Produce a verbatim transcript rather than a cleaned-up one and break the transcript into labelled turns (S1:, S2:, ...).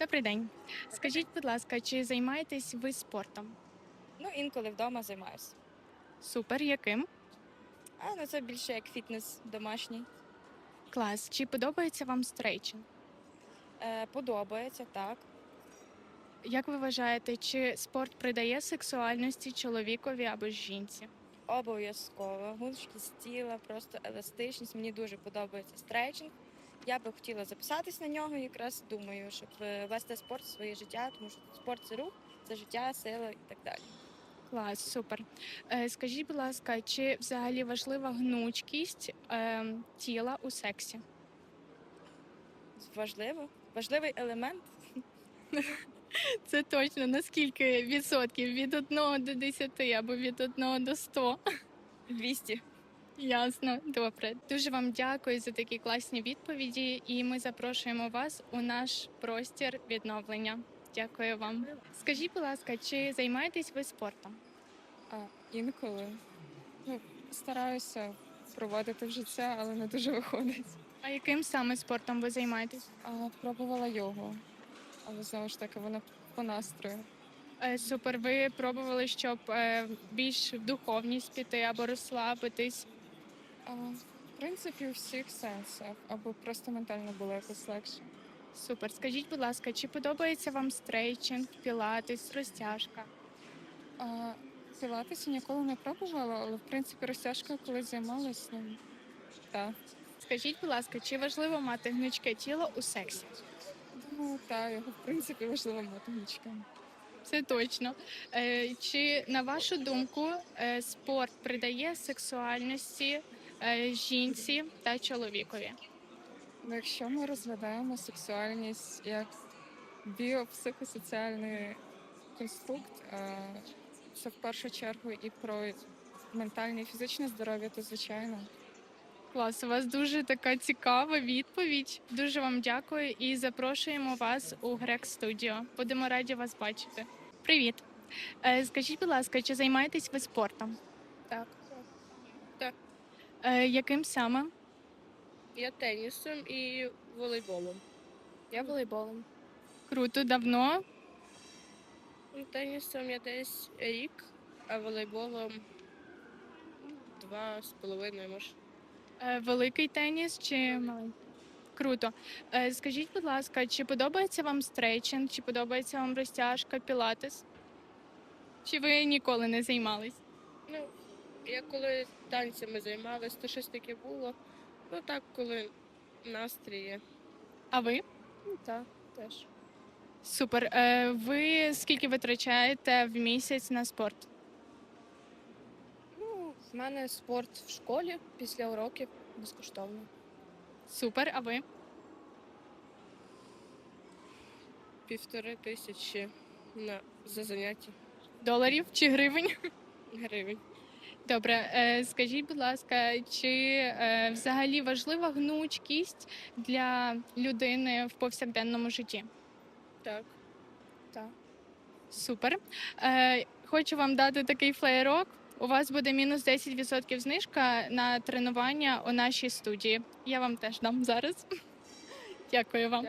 S1: Добрий день. Скажіть, будь ласка, чи займаєтесь ви спортом?
S2: Ну, інколи вдома займаюся.
S1: Супер, яким?
S2: А ну це більше як фітнес домашній.
S1: Клас. Чи подобається вам стрейчинг?
S2: Е, подобається, так.
S1: Як ви вважаєте, чи спорт придає сексуальності чоловікові або жінці?
S2: Обов'язково. Гнучкість тіла, просто еластичність. Мені дуже подобається стретчинг. Я би хотіла записатись на нього, якраз думаю, щоб е, вести спорт в своє життя, тому що спорт це рух, це життя, сила і так далі.
S1: Клас, супер. Е, скажіть, будь ласка, чи взагалі важлива гнучкість е, тіла у сексі?
S2: Важливо, важливий елемент.
S1: Це точно. Наскільки відсотків? Від одного до десяти або від одного до ста?
S2: двісті.
S1: Ясно, добре. Дуже вам дякую за такі класні відповіді, і ми запрошуємо вас у наш простір відновлення. Дякую вам. Скажіть, будь ласка, чи займаєтесь ви спортом?
S3: А, інколи. Ну, стараюся проводити в життя, але не дуже виходить.
S1: А яким саме спортом ви займаєтесь?
S3: А, пробувала йогу, але знову ж таки вона по настрою.
S1: Е, Супер, ви пробували, щоб е, більш в духовність піти або розслабитись.
S3: А, в принципі, у всіх сенсах, або просто ментально було якось легше.
S1: Супер. Скажіть, будь ласка, чи подобається вам стрейчинг, пілатес, розтяжка?
S3: А, пілатесі ніколи не пробувала, але в принципі розтяжкою колись займалась. Ну, так.
S1: Скажіть, будь ласка, чи важливо мати гнучке тіло у сексі?
S3: Думаю, так, його в принципі важливо мати гнучким.
S1: Це точно. Е, Чи на вашу думку е, спорт придає сексуальності е, жінці та чоловікові?
S3: Ну, якщо ми розглядаємо сексуальність як біопсихосоціальний конструкт, е, це в першу чергу і про ментальне і фізичне здоров'я, то звичайно.
S1: Клас, у вас дуже така цікава відповідь. Дуже вам дякую і запрошуємо вас у Грек Студіо. Будемо раді вас бачити. Привіт. Е, Скажіть, будь ласка, чи займаєтесь ви спортом?
S4: Так, так.
S1: Е, Яким саме?
S4: Я тенісом і волейболом. Я волейболом.
S1: Круто, давно.
S4: Ну, Тенісом я десь рік, а волейболом два з половиною, може.
S1: Е, Великий теніс чи маленький? Круто. Е, Скажіть, будь ласка, чи подобається вам стрейчинг, чи подобається вам розтяжка, пілатес? Чи ви ніколи не займались?
S4: Ну, я коли танцями займалась, то щось таке було. Ну так, коли настрій є.
S1: А ви?
S4: Ну так, теж.
S1: Супер. Е, Ви скільки витрачаєте в місяць на спорт?
S4: Ну, в мене спорт в школі після уроків безкоштовно.
S1: Супер, а ви?
S4: Півтори тисячі на за заняття
S1: Доларів чи гривень?
S4: гривень.
S1: Добре, е, скажіть, будь ласка, чи е, взагалі важлива гнучкість для людини в повсякденному житті?
S4: Так. Так.
S1: Супер. Е, Хочу вам дати такий флеєрок. У вас буде мінус десять відсотків знижка на тренування у нашій студії. Я вам теж дам зараз. Дякую вам.